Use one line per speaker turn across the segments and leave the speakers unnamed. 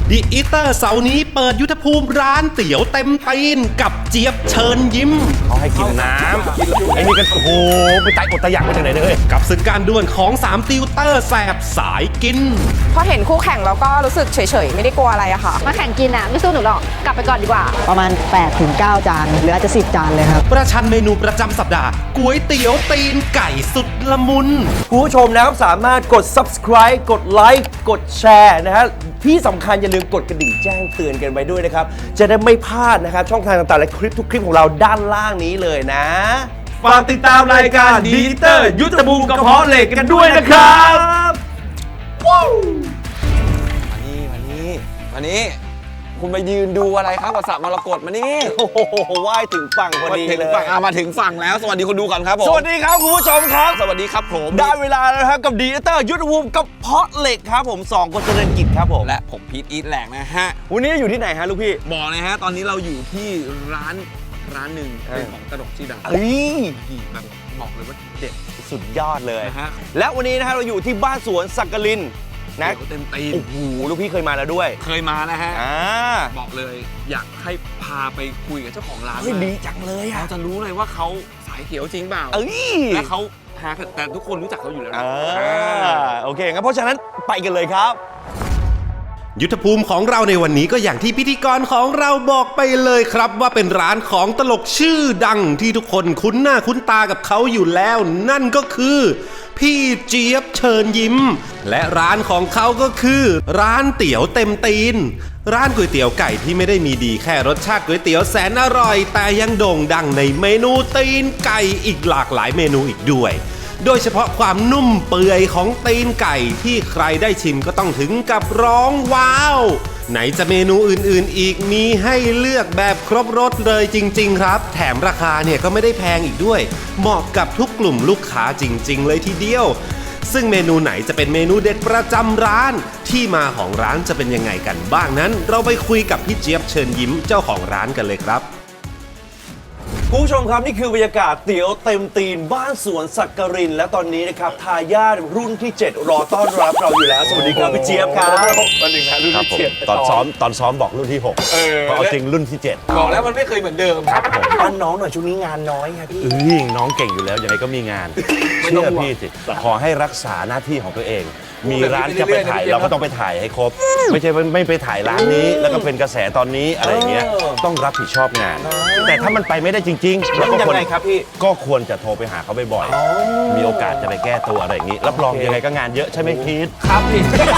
ดิอีเตอร์เสาร์นี้เปิดยุทธภูมิร้านเตี๋ยวเต็มตีนกับเจี๊ยบเชิญยิ้ม
เขาให้กินน้ำไอ้นี่ก็โอ้โหไปตายอดตายอยากมาจากไหนเลย
กับศึกการดวลของ3ติวเตอร์แสบสายกิน
พอเห็นคู่แข่งแล้วก็รู้สึกเฉยๆไม่ได้กลัวอะไรอะค่ะ
มาแข่งกินอะไม่สู้หนูหรอกกลับไปก่อนดีกว่า
ประมาณ 8-9 จานหรืออาจจะ10 จานเลยครับ
ประชันเมนูประจำสัปดาห์ก๋วยเตี๋ยวตีนไก่สุดละมุน
คุณผู้ชมนะครับสามารถกด subscribe กดไลค์กดแชร์นะฮะที่สำคัญอย่าลืมกดกระดิ่งแจ้งเตือนกันไว้ด้วยนะครับจะได้ไม่พลาดนะครับช่องทางต่างๆและคลิปทุกคลิปของเราด้านล่างนี้เลยนะฝากติดตามรายการดีเตอร์ยุทธภูมิกระเพาะเหล็กกันด้วยนะครับว้าว
มานี้คุณมายืนดูอะไรครับกับสระมรกตมานี่
โอ้โหว่ายถึงฝั่งพอดีเลย
มาถึงฝั่งแล้วสวัสดีคนดูก่อนครับผม
สวัสดีครับคุณผู้ชมครับ
สวัสดีครับผม
ได้เวลาแล้วครับกับดีเตอร์ยุทธภูมิกระเพาะเหล็กครับผม2 คนเจริญกิจครับผม
และผมพีทอีทแหลกนะฮะ
วันนี้อยู่ที่ไหนฮะลูกพี่
บอกเลยฮะตอนนี้เราอยู่ที่ร้านหนึ่งเป็นของตลกชื่อดังแบบบอกเลยว่าเด็ด
สุดยอดเลยนะฮะและวันนี้นะฮะเราอยู่ที่บ้านสวนสักกลินนะ
เต็มตีน
โอ้โหลูกพี่เคยมาแล้วด้วย
เคยมานะฮะบอกเลยอยากให้พาไปคุยกับเจ้าของร้าน
ดีจังเลย
เราจะรู้เลยว่าเขาสายเขียวจริงเปล่าและเขาแต่ทุกคนรู้จักเขาอยู่แล้วนะ
โอเคงั้นเพราะฉะนั้นไปกันเลยครับ
ยุทธภูมิของเราในวันนี้ก็อย่างที่พิธีกรของเราบอกไปเลยครับว่าเป็นร้านของตลกชื่อดังที่ทุกคนคุ้นหน้าคุ้นตากับเขาอยู่แล้วนั่นก็คือพี่เจี๊ยบเชิญยิ้มและร้านของเขาก็คือร้านเตี๋ยวเต็มตีนร้านก๋วยเตี๋ยวไก่ที่ไม่ได้มีดีแค่รสชาติก๋วยเตี๋ยวแสนอร่อยแต่ยังโด่งดังในเมนูตีนไก่อีกหลากหลายเมนูอีกด้วยโดยเฉพาะความนุ่มเปื่อยของตีนไก่ที่ใครได้ชิมก็ต้องถึงกับร้องว้าวไหนจะเมนูอื่นๆอีกมีให้เลือกแบบครบรสเลยจริงๆครับแถมราคาเนี่ยก็ไม่ได้แพงอีกด้วยเหมาะกับทุกกลุ่มลูกค้าจริงๆเลยทีเดียวซึ่งเมนูไหนจะเป็นเมนูเด็ดประจำร้านที่มาของร้านจะเป็นยังไงกันบ้างนั้นเราไปคุยกับพี่เจี๊ยบเชิญยิ้มเจ้าของร้านกันเลยครับ
คุณผู้ชมครับนี่คือบรรยากาศเตี๋ยวเต็มตีนบ้านสวนสักกรินและตอนนี้นะครับทายาทรุ่นที่7รอต้อนรับเราอยู่แล้วสวัสดีครับพี่เจี๊ยบครับ
วันหนึ่งนะรุ่นที่7
ตอนซ้อมบอกรุ่นที่6เพราะเอาจริงรุ่นที่7
บอกแล้วมันไม่เคยเหมือนเดิม
ครับผม
ป้
อนน้องหน่อยช่วงนี้งานน้อยครับพี่น้องเก่งอยู่แล้วยังไงก็มีงานเชื่อพี่สิขอให้รักษาหน้าที่ของตัวเองมีร้านจะไปถ่ายเราก็ต้องไปถ่ายให้ครบไม่ใช่ไม่ไปถ่ายร้านนี้แล้วก็เป็นกระแสตอนนี้อะไรเงี้ยต้องรับผิดชอบงานแต่ถ้ามันไปไม่ได้จริงๆแล้วก็ควรครับพี่ก็ควรจะโทรไปหาเขาบ่อยๆมีโอกาสจะไปแก้ตัวอะไรอย่างนี้รับรองยังไงก็งานเยอะใช่ไหมพีท
ครับพี่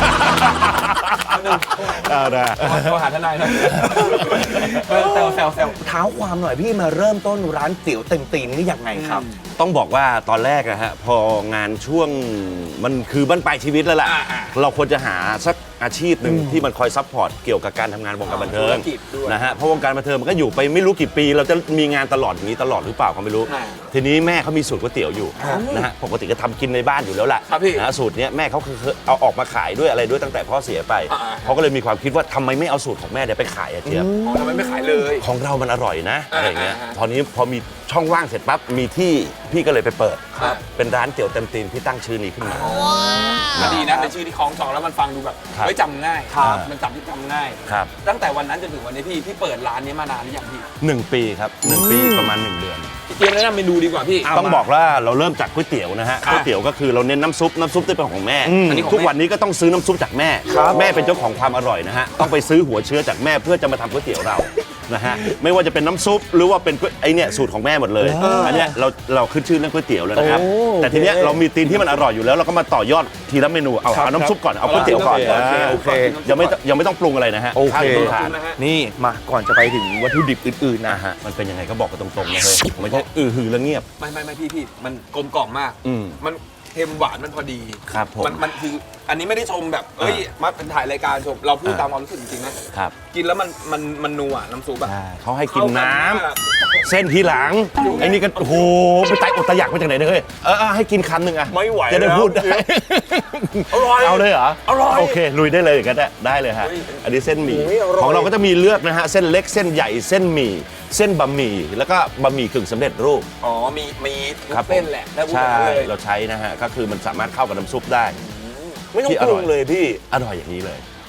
เอาละ
โทรหาทนายหน่อยแซว
เท้าความหน่อยพี่มาเริ่มต้นร้านเตี๋ยวเต็มตีนนี่ยังไงครับต้องบอกว่าตอนแรกอะฮะพองานช่วงมันคือบั้นปลายชีวิตแล้วล่ะเราควรจะหาสักอาชีพหนึ่งที่มันคอยซัพพอร์ตเกี่ยวกับการทำงานวงการบันเทิงนะฮะเพราะวงการบันเทิงมันก็อยู่ไปไม่รู้กี่ปีเราจะมีงานตลอดอย่างนี้ตลอดหรือเปล่าก็ไม่รู้ทีนี้แม่เขามีสูตรก๋วยเตี๋ยวอยู่นะฮะปกติก็ทำกินในบ้านอยู่แล้วแหละนะสูตรนี้แม่เขาคือเอาออกมาขายด้วยอะไรด้วยตั้งแต่พ่อเสียไปเขาก็เลยมีความคิดว่าทำไมไม่เอาสูตรของแม่เดี๋ยวไปขายอะเจี๊ยบ
ทำไมไม่ขายเลย
ของเรามันอร่อยนะอะไรเงี้ยตอนนี้พอมีช่องว่างเสร็จปั๊บมีที่พี่ก็เลยไปเปิดเป็นร้านเตี๋ยวเต็มตีนที่ตั้งชื่อนี้ขึ้นมา
ดีนะเป็นชื่อที่คล้องจองแล้วมันฟังดูแบบไม่จำง่ายมันจำง่ายตั้งแต่วันนั้นจนถึงวันนี้พี่เปิดร้านนี้มานานหรือยังพี่
1 ปีครับ1 ปีประมาณ1 เดือน
เตรียมแนะนำเมนูดีกว่าพี่
ต้องบอกว่าเราเริ่มจากก๋วยเตี๋ยวนะฮะก๋วยเตี๋ยวก็คือเราเน้นน้ำซุปที่เป็นของแม่ทุกวันนี้ก็ต้องซื้อน้ำซุปจากแม่แม่เป็นเจ้าของความอร่อยนะฮะต้องไปซื้อหัวเชื้อจากแม่เพื่อจะมาทำก๋วยเตี๋ยวเรานะฮะไม่ว่าจะเป็นน้ำซุปหรือว่าเป็นไอเนี่ยสูตรของแม่หมดเลยอันเนี้ยเราขึ้นชื่อเรื่องก๋วยเตี๋ยวแล้วนะครับแต่ทีเนี้ยเรามีตีนที่มันอร่อยอยู่แล้วเราก็มาต่อยอดทีละเมนูเอาน้ำซุปก่อนเอาก๋วยเตี๋ยวก่อนโอเคยังไม่ต้องปรุงอะไรนะฮะ
โอเค
นี่มาก่อนจะไปถึงวัตถุดิบอื่นๆนะฮะมันเป็นยังไงก็บอกกันตรงๆนะเฮ้ยไม่ใช่หือแล้วเงียบ
ไม่พี่มันกลมกล่อมมากมันเค็มหวานมันพอดี
ครับผม
มันคืออันนี้ไม่ได้ชมแบบมาเป็นถ่ายรายการชมเราพูดตามความรู้สึกจริงๆนะครับกินแล้วมันนัวน้ำซุปแบบ
เขาให้กินน้ำเส้นทีหลังไอ้นี่ก็โอ้โหไปตายอดตายอยากมาจากไหนเลยให้กินคำหนึ่งอะ
ไม่ไหว
จะได้พูด
อร่อย
เอาเลยเหรอ
อร่อย
โอเคลุยได้เลยก็ได้เลยฮะอันนี้เส้นหมี่ของเราก็จะมีเลือกนะฮะเส้นเล็กเส้นใหญ่เส้นหมี่เส้นบะหมี่แล้วก็บะหมี่กึ่งสำเร็จรูป
มีเส้นแหละ
ใช่เราใช้นะฮะก็คือมันสามารถเข้ากับน้ำซุปได้
ไม่ต้องปรุงเลยพี่
อร่อยอย่างนี้เลย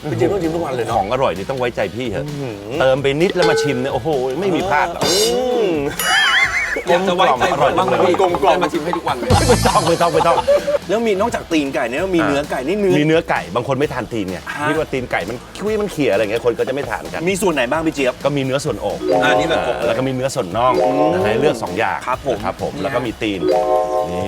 พี่เจี๊ยบต้องชิมทุกวันเลยของอร่อยนี่ต้องไว้ใจพี่เถอะเติมไปนิดแล้วมาชิมเนี่ยโอ้โหไม่มีพลาดหรอก
อยากจะไว้ใจผมบ้างเลยพี่
กลมๆ
ได้มาชิมให้ทุกวันเลย
ไม่ต้อง
แล้วมีนอกจากตีนไก่เนี่ยมีเนื้อไก่นี่เนื้อ
มีเนื้อไก่บางคนไม่ทานตีนไงคิดว่าตีนไก่มันคุยมันเขี่ยอะไรเงี้ยคนก็จะไม่ทานกัน
มีส่วนไหนบ้างพี่เจี๊ยบ
ก็มีเนื้อส่วนอก
อันนี้แบบอก
แล้วก็มีเนื้อส่วนน่องให้เลือก2 อย่าง
ครับผม
ครับผมแล้วก็มีตีนนี่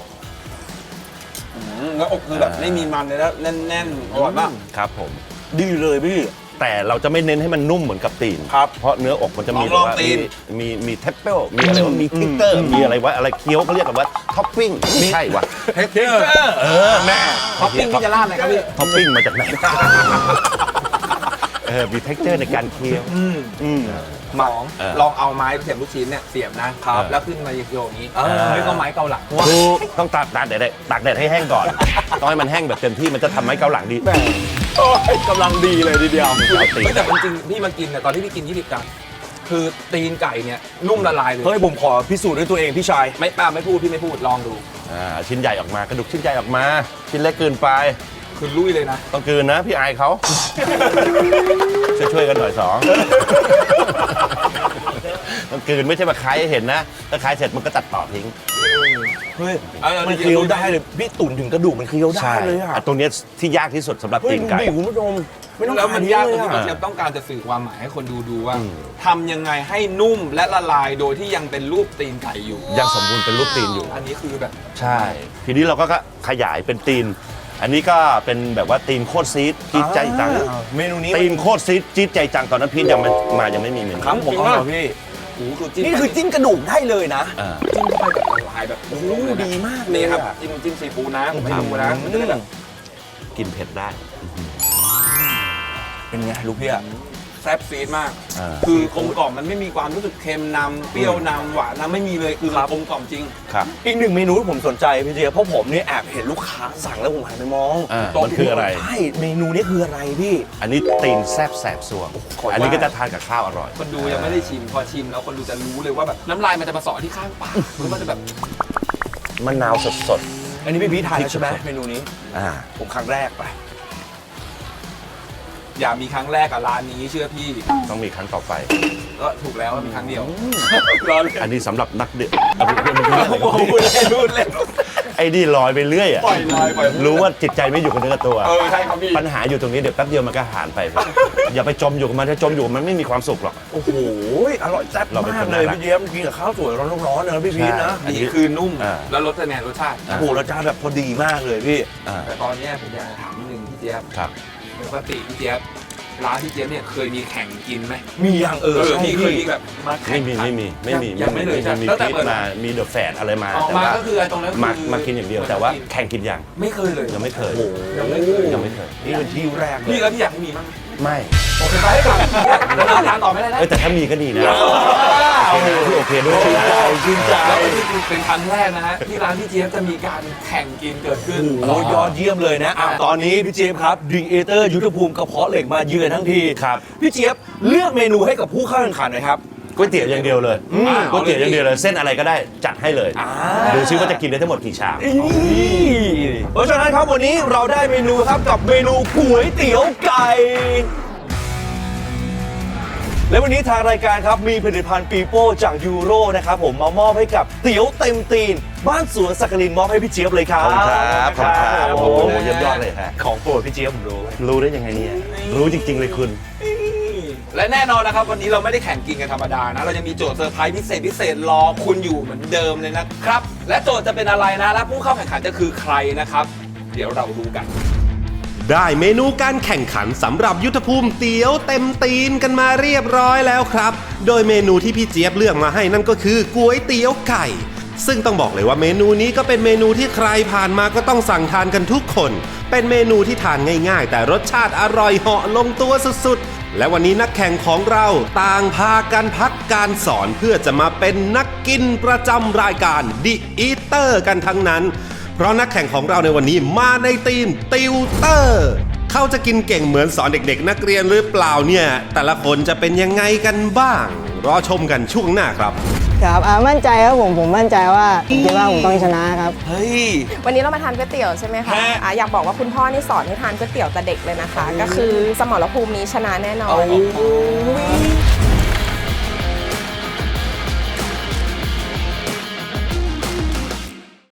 แล้วอกคือแบบไม่มีมันเลยแล้วแน่นๆอร่อยมาก
ครับผม
ดีเลยพี่
แต่เราจะไม่เน้นให้มันนุ่มเหมือนกับตีน
ครับ
เพราะเนื้ออกมันจะมี
ลอง
ว่า
ตีน
มีเทปเปิลมีอะไรว่ามีทิกเตอร์มีอะไรว่าอะไรเคี้ยวเขาเรียกกันว่าท็อปปิ้งไม่ใช่วะ
เทคเจอร์
แม่
ท็อปปิ้งที่จะราดอะไรครับพี่
ท็อปปิ้งมาจากไหนมีเท็กเจอร์ในการเคี้ยว
สองลองเอาไม้เสียบลูกชิ้นเนี่ยเสียบนะแล้วขึ้นมาโยงๆอย่างนี้ไม่ก็ไม้เกาหลัง
ถูกต้องตากแดดให้แห้งก่อนต้องให้มันแห้งแบบเต็มที่มันจะทำให้เกาหลังดี
กำลังดีเลยทีเดียว
เอาตีน
แต่จริงๆพี่มากินเนี่ยตอนที่พี่กิน20 กรัมคือตีนไก่เนี่ยนุ่มละลายเลย
เฮ้ยผมขอพิสูจน์ด้วยตัวเองพี่ชาย
ไม่ป้าไม่พูดพี่ไม่พูดลองดู
ชิ้นใหญ่ออกมากระดูกชิ้นใหญ่ออกมาชิ้นเล็กเกินไป
คือลุยเลยนะ
ต้องกลืนนะพี่อายเขาช่วยกันหน่อย2ต้องกลืนไม่ใช่มาคายให้เห็นนะถ้าคายเสร็จมันก็ตัดต่อทิ้ง
เฮ้ยมันเคี้ยวได้เลยพี่ตุ๋นถึงกระดูกมันเคี้ยวได้เลยอ่ะ
ตรงเนี้ยที่ยากที่สุดสำหรับ
เฮ้ย
ตีนไก่
ดูดิคุณผู้ชมไม่ต้อง
แล้วมันยากตรงที่
เล
พี่เจี๊ยบต้องการจะสื่อความหมายให้คนดูว่าทำยังไงให้นุ่มและละลายโดยที่ยังเป็นรูปตีนไก่อยู่
ยังสมบูรณ์เป็นรูปตีนอยู่
อันนี้คือแบบ
ใช่ ทีนี้เราก็ขยายเป็นตีน อันนี้ก็เป็นแบบว่าตีนโคตรซีดจี๊ดใจจัง
เมนูนี้
ตีนโคตรซีดจี๊ดใจจังตอนนั้นพีทยังไม่มีเมนู
ครับผมเอาเหรอพี่
โอ้โหคือจิ้ม
นี่คือจิ้มกระดูกได้เลยนะ
อ่า
จิ้มเข้าไปแบบละลายแบบ
โอ้โหดีมากเลย
นี่ครับ
อะ
จิ้มซีฟู้ดนะผมให้ดูนะมันจะได้แบบ
กินเผ็ดได้
เป็นไงลูกพี่อะ
แซ่บซีดมาก
อ่า
คือกลมกล่อมมันไม่มีความรู้สึกเค็มนำเปรี้ยวนำหวานนำไม่มีเลยคือมันกลมกล่อมจริง
ครับ
อีกหนึ่งเมนูที่ผมสนใจพี่เจี๊ยบเพราะผมเนี่ยแอบเห็นลูกค้าสั่งแล้วผมหันไปมอง
มันคืออะไร
ใช่เมนูนี้คืออะไรพี่
อันนี้ตีนแซบแสบสวง อันนี้ก็จะทานกับข้าวอร่อย
คนดูยังไม่ได้ชิมพอชิมแล้วคนดูจะรู้เลยว่าแบบน้ำลายมันจะมาเสาะที่ข้างปากแล้วมันจะแบบ
มะนาวสด
อันนี้พี่พีททานแล้วใช่ไหมเมนูนี้
ๆอ่า
ผมครั้งแรกไป
อย่ามีครั้งแรกกับร้านนี้เชื่อพี่
ต้องมีครั้งต่อไป
ก็ถูกแล้วว่ามีครั้งเดียวรอเลย
อันนี้สำหรับนักเดือด
พูดเล่น
ไอ้นี่ลอยไปเรื่อยอ่ะ
ปล่อยลอยปล่อย
รู้ว่าจิตใจไม่อยู่กับเนื้อกับตัว
ใช่ครับพี่
ปัญหาอยู่ตรงนี้เดี๋ยวแป๊บเดียวมันก็หายไปอย่าไปจมอยู่กับมันถ้าจมอยู่กับมันไม่มีความสุขหรอก
โอ้โหอร่อยแซ่บ
เราเป็น
มา
ค
ก
น
เลย
น่ารัก
พี่เจี๊ยบกินกับข้าวสวยร้อนๆนะพี่พีทนะ
อันนี้
นี่คือนุ่ม
อ่า
แล้วรสแนนรสชาติ
โอ้โหรสชาติแบบพอดีมากเลยพี่
อ่า
แต่ตอนเนี้ยผมอยากจะถามนิดนึงพี่เจี๊ยบ
ครับ
ปกติพี่เจี๊ยบร้านพี่เจี๊ยบเนี่ยเคยมีแข่งกินไหม
มีอย่างใช่
พี่เคย
พี่
มีแบบมาแข่
ไม่
ง
มี
ขัน ยังไม่เลย
มี
ตั้งแต่
พีท
เปิด
มามีเดอะแฟดอะไรมา
ออก
แต่
มา
ว่า
ก็คือไอ้ตรงนั้นคือ
มากินอย่างเดียวแต่ว่าแข่งกินอย่าง
ไม่เคยเลย
ยังไม่เคย
ยังไม่เคย
ยังไม่เคย
นี่เป็นที่แรกเล
พี่
ย
แล้วพี่อยากให้มีมั้ง
ไม่
โอเคไปให้ก่อนแล้วทานต่อไม่ได้นะ
แต่ถ้ามีก็ดีนะโอเคด้วย
ชื่นใจ
แล้วก็นี่คือเป็นครั้งแรกนะฮะที่ร้านพี่เจี๊ยบจะมีการแข่งกินเกิดขึ้น
โอ้โหยอดเยี่ยมเลยนะตอนนี้พี่เจี๊ยบครับดีเอเตอร์ยุทธภูมิกระเพาะเหล็กมาเยือนทั้งที
ครับ
พี่เจี๊ยบเลือกเมนูให้กับผู้เข้าแข่งขันหน่อยครับ
ก๋วยเตี๋ยวอย่างเดียวเลยก๋วยเตี๋ยวอย่างเดียวเลยเส้นอะไรก็ได้จัดให้เลยดูซิว่าจะกินได้ทั้งหมดกี่ชาม
เพราะฉะนั้นครับวันนี้เราได้เมนูครับกับเมนูก๋วยเตี๋ยวไก่ และวันนี้ทางรายการครับมีผลิตภัณฑ์ปีโป้จากยูโรนะครับผมมามอบให้กับเตี๋ยวเต็มตีน บ้านสวนสักกลินมอบให้พี่เจี๊ยบเลยครับ
ขอบคุณครับขอบคุณครับโอ้โหเยี่ยมยอดเลยฮะ
ของโปรดพี่เจี๊ยบผมรู้
รู้ได้ยังไงเนี่ยรู้จริง ๆ เลยคุณ
และแน่นอนนะครับวันนี้เราไม่ได้แข่งกินกันธรรมดานะเราจะมีโจทย์เซอร์ไพรส์พิเศษรอคุณอยู่เหมือนเดิมเลยนะครับและโจทย์จะเป็นอะไรนะและผู้เข้าแข่งขันจะคือใครนะครับเดี๋ยวเราดูกัน
ได้เมนูการแข่งขันสำหรับยุทธภูมิเตี๋ยวเต็มตีนกันมาเรียบร้อยแล้วครับ โดยเมนูที่พี่เจี๊ยบเลือกมาให้นั่นก็คือก๋วยเตี๋ยวไก่ ซึ่งต้องบอกเลยว่าเมนูนี้ก็เป็นเมนูที่ใครผ่านมาก็ต้องสั่งทานกันทุกคน เป็นเมนูที่ทานง่ายๆ แต่รสชาติอร่อยเหาะลงตัวสุดๆ และวันนี้นักแข่งของเราต่างพากันพักการสอนเพื่อจะมาเป็นนักกินประจำรายการ The Eater กันทั้งนั้น เพราะนักแข่งของเราในวันนี้มาในทีมติวเตอร์เขาจะกินเก่งเหมือนสอนเด็กๆนักเรียนหรือเปล่าเนี่ยแต่ละคนจะเป็นยังไงกันบ้าง รอชมกันช่วงหน้าครับ
ครับมั่นใจครับผมมั่นใจว่าผมคิดว่าผมต้องชนะครับ
เฮ้ย
วันนี้เรามาทานก๋วยเตี๋ยวใช่ไหมคะ
ฮะ
อยากบอกว่าคุณพ่อนี่สอนให้ทานก๋วยเตี๋ยวแต่เด็กเลยนะคะ ก็คือสมรภูมินี้ชนะแน่นอน
โอ้